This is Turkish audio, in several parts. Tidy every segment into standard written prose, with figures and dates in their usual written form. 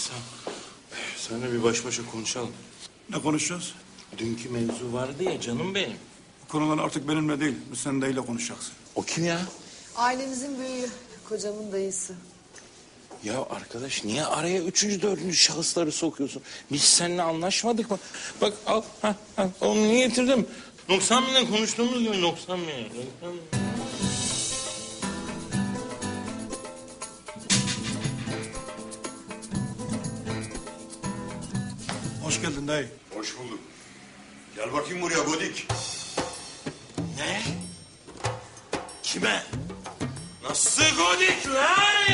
Seninle bir baş başa konuşalım. Ne konuşacağız? Dünkü mevzu vardı ya canım benim. Bu konular artık benimle değil, sen deyle konuşacaksın. O kim ya? Ailemizin büyüğü, kocamın dayısı. Ya arkadaş niye araya üçüncü, dördüncü şahısları sokuyorsun? Biz seninle anlaşmadık mı? Bak al, onu niye getirdim? Noksan Bey'le konuştuğumuz gibi Noksan Bey. Hoş geldin dayı. Hoş bulduk. Gel bakayım buraya Godik. Ne? Kime? Nasıl Godik lan?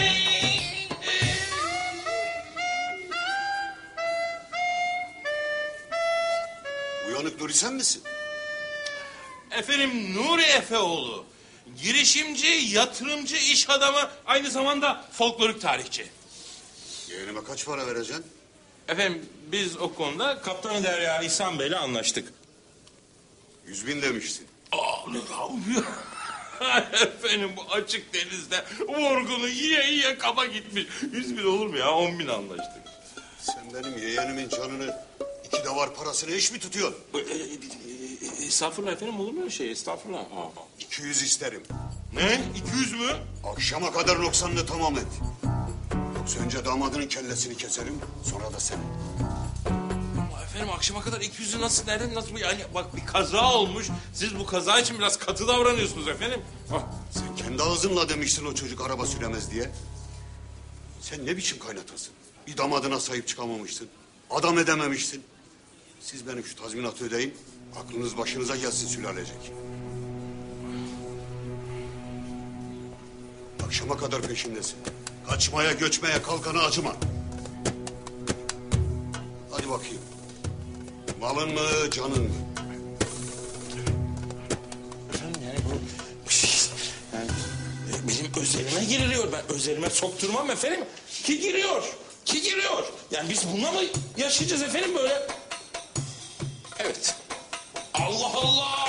Uyanık Nuri sen misin? Efendim Nuri Efeoğlu. Girişimci, yatırımcı, iş adamı, aynı zamanda folklorik tarihçi. Yeğenime kaç para vereceksin? Efendim biz o konuda Kaptanı Derya İhsan Bey'le anlaştık. 100.000 demiştin. Aa, ne yapıyor? Efendim bu açık denizde vurgunu yiye kaba gitmiş. 100.000 olur mu ya? 10.000 anlaştık. Sen benim yeğenimin canını 2 davar parasını eş mi tutuyorsun? Estağfurullah efendim, olur mu öyle şey? Estağfurullah. 200 isterim. Ne? 200 mü? Akşama kadar noksanını tamam et. Yoksa önce damadının kellesini keserim, sonra da senin. Ama efendim akşama kadar 200'ü nasıl yani bak bir kaza olmuş. Siz bu kaza için biraz katı davranıyorsunuz efendim. Sen kendi ağzınla demiştin o çocuk araba süremez diye. Sen ne biçim kaynatasın? Bir damadına sahip çıkamamışsın. Adam edememişsin. Siz benim şu tazminatı ödeyin. Aklınız başınıza gelsin sülalecek. Akşama kadar peşindesin. Kaçmaya, göçmeye, kalkana acıma. Hadi bakayım. Malın mı, canın mı? Efendim yani bu yani benim özelime giriliyor. Ben özelime sokturmam efendim. Ki giriyor. Yani biz bununla mı yaşayacağız efendim böyle? Evet. Allah Allah!